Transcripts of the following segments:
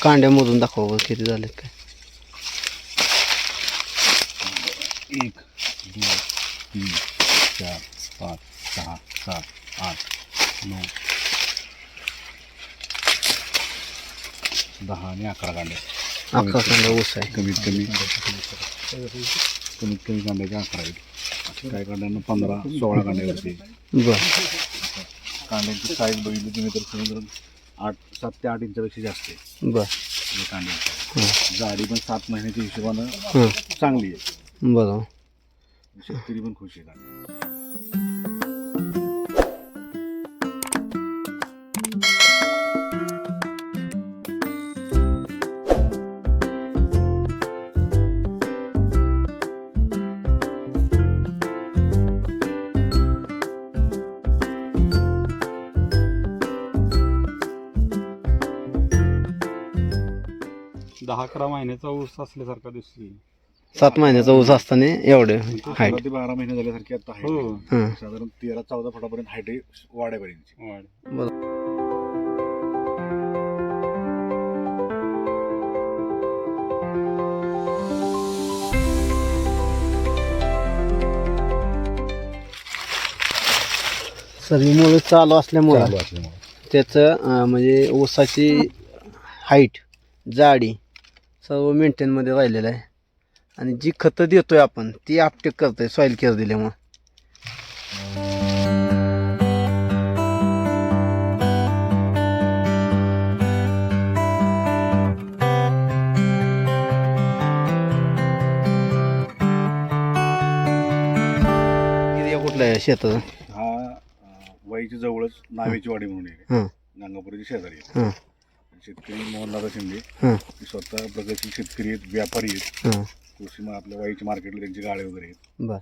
कांड्या मोजून दाखवा बरं किती झालेत काय. 1 2 3 4 5 6 7 8 9 10 आणि 11 कांड्या. 11 कांड्या ऊस आहे. कमीत कमी कांड्याच्या 11 आहेत. काही कांड्यांना 15-16 कांड्या होते. बरं. कांड्यांची साईज बघितली तुम्ही तर समुद्र 7 ते 8 इंचापेक्षा जास्त आहे बरं. कांड्यांची जाडी पण 7 महिन्याच्या हिशोबानं चांगली आहे. बरं. शेतकरी पण खुश आहे. 10-11 महिन्याचा ऊस असल्यासारखा दिसतोय. 7 महिन्याचा ऊस असताना एवढे हाईट. 12 ते 12 महिने झाल्यासारखी आता आहे. हो. साधारण 13-14 फुटापर्यंत हाईट वाढेपर्यंत. वाढ. सर्वीमुळे चालू असल्यामुळं त्याचं म्हणजे ऊसाची हाईट जाडी सर्व मेंटेनमध्ये राहिलेलं आहे. आणि जी खतं देतोय आपण ती आपटेक करतोय सॉईल केअर दिल्यामुळं. एरिया कुठला आहे शेताचा? हा वाईच्या जवळच नावेची वाडी म्हणून आहे. हां गंगापुराच्या शेजारी आहे. हां शेतकरी मोहनदादा शिंदे हां ते स्वतः प्रगतशील शेतकरी आहेत, व्यापारी आहेत. हां. कृषी आपल्या वाईच्या मार्केटला त्यांची गाळे वगैरे आहेत. बर.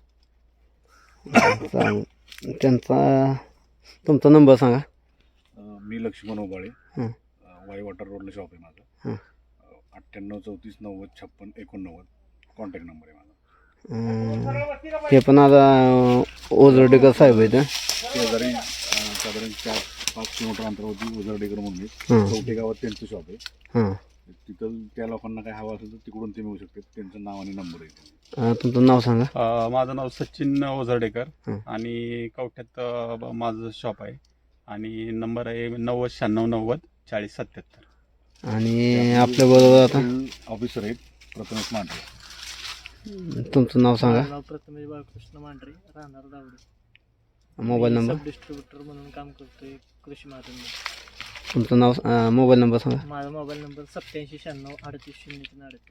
त्यांचा तुमचा नंबर सांगा. मी लक्ष्मण ओबाळे. हं. वाई वॉटर रोडला शॉप आहे माझं. हं. 98 34 90 56 89 कॉन्टॅक्ट नंबर आहे माझा. हे पण आता ओझरडेकर साहेब आहेत. शेजारी साधारण 4-5 किलोमीटर अंतरावरती उजरडेकर म्हणून आहे. हं. कवठे गावात त्यांचं शॉप आहे. हां. तिथं त्या लोकांना काय हवं असेल तर तिकडून ते मिळू शकतात. त्यांचं नाव आणि नंबर आहे. तुमचं नाव सांगा. माझं नाव सचिन ओझरडेकर हं. आणि कवठ्यात माझं शॉप आहे आणि नंबर आहे 90 96 90 40 77. आणि आपल्याबरोबर आता ऑफिसर आहेत प्रथमेश मांढरे. तुमचं नाव सांगा. नाव प्रथमेश बाळकृष्ण मांढरे, राहणार Davde. Mobile number. Sub distributor म्हणून काम करतोय कृषी महाजन. तुमचं नाव मोबाईल नंबर सांगा. माझा मोबाईल नंबर 87 96 38 038.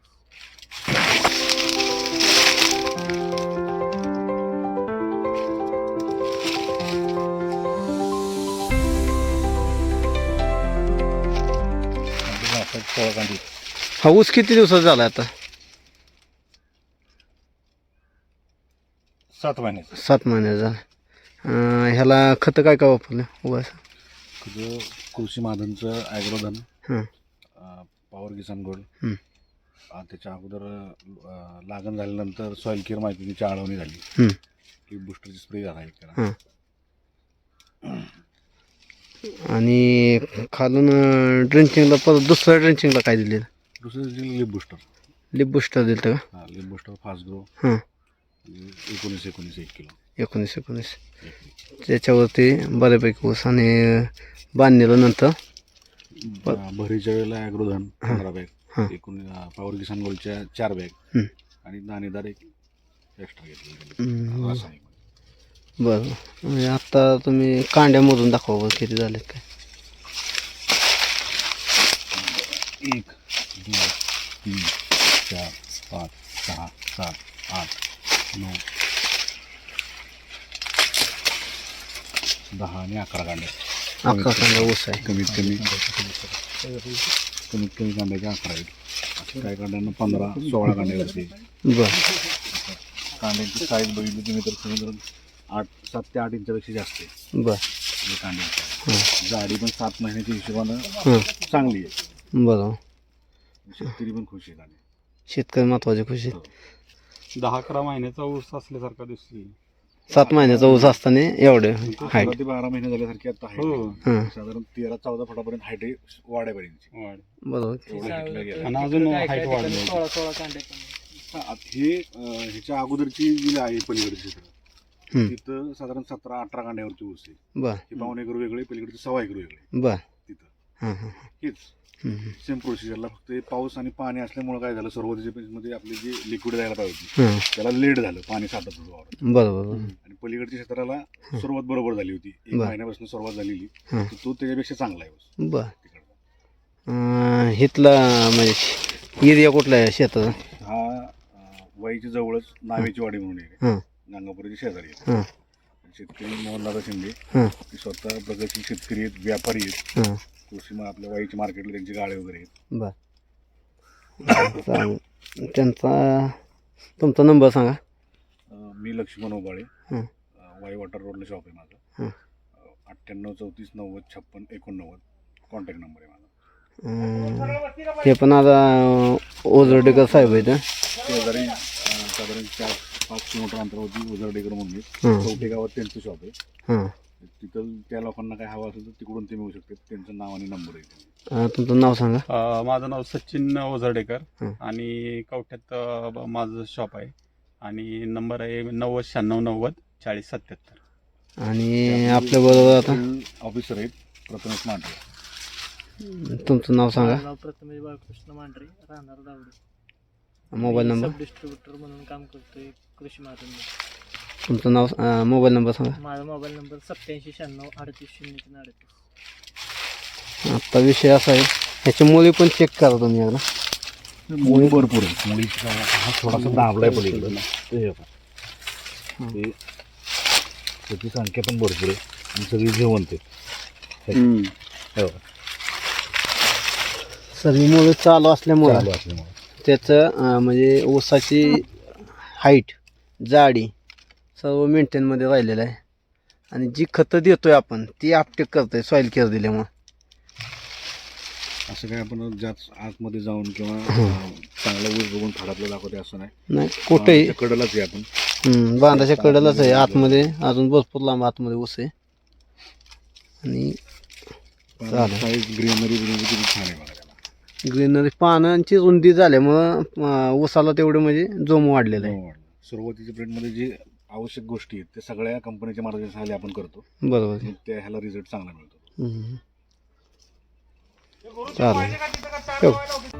हा ऊस किती दिवसाचा झाला आता? 7 महिन्याचं. 7 महिने झाले. ह्याला खतं काय काय वापरलं उगाच? तुझं कृषी महाजनचं ॲग्रोधन, हां. Power Kisan gold. हं. त्याच्या अगोदर लागण झाल्यानंतर सॉईल केअर माहितीची आळवणी झाली. हं. की बुस्टरची स्प्रे झाला एक. हां. आणि खालून ड्रिंचिंगला परत दुसऱ्या ड्रिंचिंगला काय दिलेलं? दुसरं लिप बुस्टर. लिप बुस्टर दिलं का? हां, लिप बुस्टर फास्ट ग्रो. हां. 19 1 किलो. 19 त्याच्यावरती बऱ्यापैकी ऊस आणि बांधलेलं नंतर भरीच्या वेळेला ॲग्रोधन 15 हां. बॅग, एकूण पॉवर किसान गोल्डच्या 4 बॅग हं. आणि दाणेदार एक एक्स्ट्रा घेतले. बरं. बरं म्हणजे आत्ता तुम्ही कांड्या मोजून दाखवा बरं किती झालेत काय. 1 2 3 4 5 6 7 8 9 10 आणि 11 कांड्या. 11 कांड्या ऊस आहे. कमीत कमी कांड्याच्या 11 आहेत. काही कांड्यांना 15-16 कांड्या होते. बरं. कांड्यांची साईज बघितली तुम्ही तर समुद्र 7 ते 8 इंचापेक्षा जास्त आहे. बरं. कांड्यांची जाडी पण 7 महिन्याच्या हिशोबानं चांगली आहे. बरं. शेतकरी पण खुश आहेत. आणि शेतकरी महत्वाची खुशी. 10-11 महिन्याचा ऊस असल्यासारखा दिसतोय. 7 महिन्याचा ऊस असताना एवढे हाईट. 11 ते 12 महिने झाल्यासारखी आता आहे. हो. हां साधारण 13-14 फुटापर्यंत हाईट आहे वाड्यापर्यंतची. वाढ. बरोबर. एवढं height ला गेलं. आणि अजून height वाढली. 16 कांडे पण. हे ह्याच्या अगोदरची जी आहे पलीकडची क्षेत्र हम्म. तिथं साधारण 17-18 कांड्यावरची ऊस आहे. बर हे 1.5 एकर वेगळे, पलीकडचे 1.25 एकर वेगळे बर. तिथं. हां हां हेच हम्म. सेम प्रोसिजरला फक्त हे पाऊस आणि पाणी असल्यामुळे काय झालं, सुरुवातीच्या मध्ये आपली जी लिक्विड द्यायला पाहिजे होती हां त्याला लेट झालं, पाणी साठत होतं वावरात. बरोबर. आणि पलीकडच्या क्षेत्राला सुरुवात बरोबर झाली होती, 1 बरं. महिन्यापासून सुरुवात झालेली. हां तर तो त्याच्यापेक्षा चांगला आहे ऊस बर. तिकडचा. इथला म्हणजे एरिया कुठला आहे शेताचा? हा वाईच्या जवळच नावेची वाडी म्हणून आहे, हां गंगापुराची शेजारी आहे. हां शेतकरी मोहनदादा शिंदे हां ते स्वतः प्रगतशील शेतकरी आहेत, व्यापारी आहेत. हां कृषी आपल्या वाईच्या मार्केटला त्यांची गाळे वगैरे आहेत. बर. त्यांचा तुमचा नंबर सांगा. मी लक्ष्मण ओबाळे, हं. वाई वॉटर रोडला शॉप आहे माझं. हं. 98 34 90 56 89 कॉन्टॅक्ट नंबर आहे माझा. हे पण आता ओझरडेकर साहेब आहेत. शेजारी साधारण 4-5 किलोमीटर अंतरावरती उजरडेकर म्हणून आहे. हां कवठे गावात त्यांचं शॉप आहे. हां तिथं त्या लोकांना काय हवं असेल तर तिकडून ते मिळू शकतात. त्यांचं नाव आणि नंबर आहे. तुमचं नाव सांगा. माझं नाव सचिन ओझरडेकर हं. आणि कवठ्यात माझं शॉप आहे आणि नंबर आहे 90-96-90-40-77. आणि आपल्याबरोबर आता ऑफिसर आहेत प्रथमेश मांढरे. तुमचं नाव सांगा. माझं नाव प्रथमेश बाळकृष्ण मांढरे, राहणार Davde. Mobile number. Sub distributor म्हणून काम करतोय कृषी महाजनमध्ये. तुमचं नाव मोबाईल नंबर सांगा. माझा मोबाईल नंबर 8796 38 आता विषय असा आहे, ह्याची मुली पण चेक करा तुम्ही एकदा. मुळी भरपूर आहे. मुळीचा हा थोडासा दाबलाय पलीकडे ते बघा. ते त्याची संख्या पण भरपूर आहे आणि सगळी जेवण ते हो सर्व मुलं चालू असल्यामुळं चालू असल्यामुळे त्याचं म्हणजे ऊसाची हाईट जाडी सर्व मेंटेनमध्ये राहिलेलं आहे. आणि जी खतं देतोय आपण ती आपटेक करतोय सॉईल केअर दिल्यामुळं. असं काय आपण जास्त आतमध्ये जाऊन किंवा चांगला ऊस बघून फाडातलं दाखवते असं नाही. नाही कुठेही कडेलाच आहे आपण. बांधाच्या कडेलाच आहे. आतमध्ये अजून भरपूर लांब आतमध्ये ऊस आहे. आणि चालेल. साईज ग्रीनरी किती छान आहे बघा त्याला. ग्रीनरी पानांची रुंदी झाल्यामुळं ऊसाला तेवढे म्हणजे जोम वाढलेला आहे. सुरुवातीच्या प्रिंटमध्ये जे आवश्यक गोष्टी आहेत ते सगळ्या कंपनीच्या मार्गदर्शनाखाली आपण करतो. बरोबर आहे. मग त्या ह्याला रिझल्ट चांगला मिळतो. चालेल ठेव.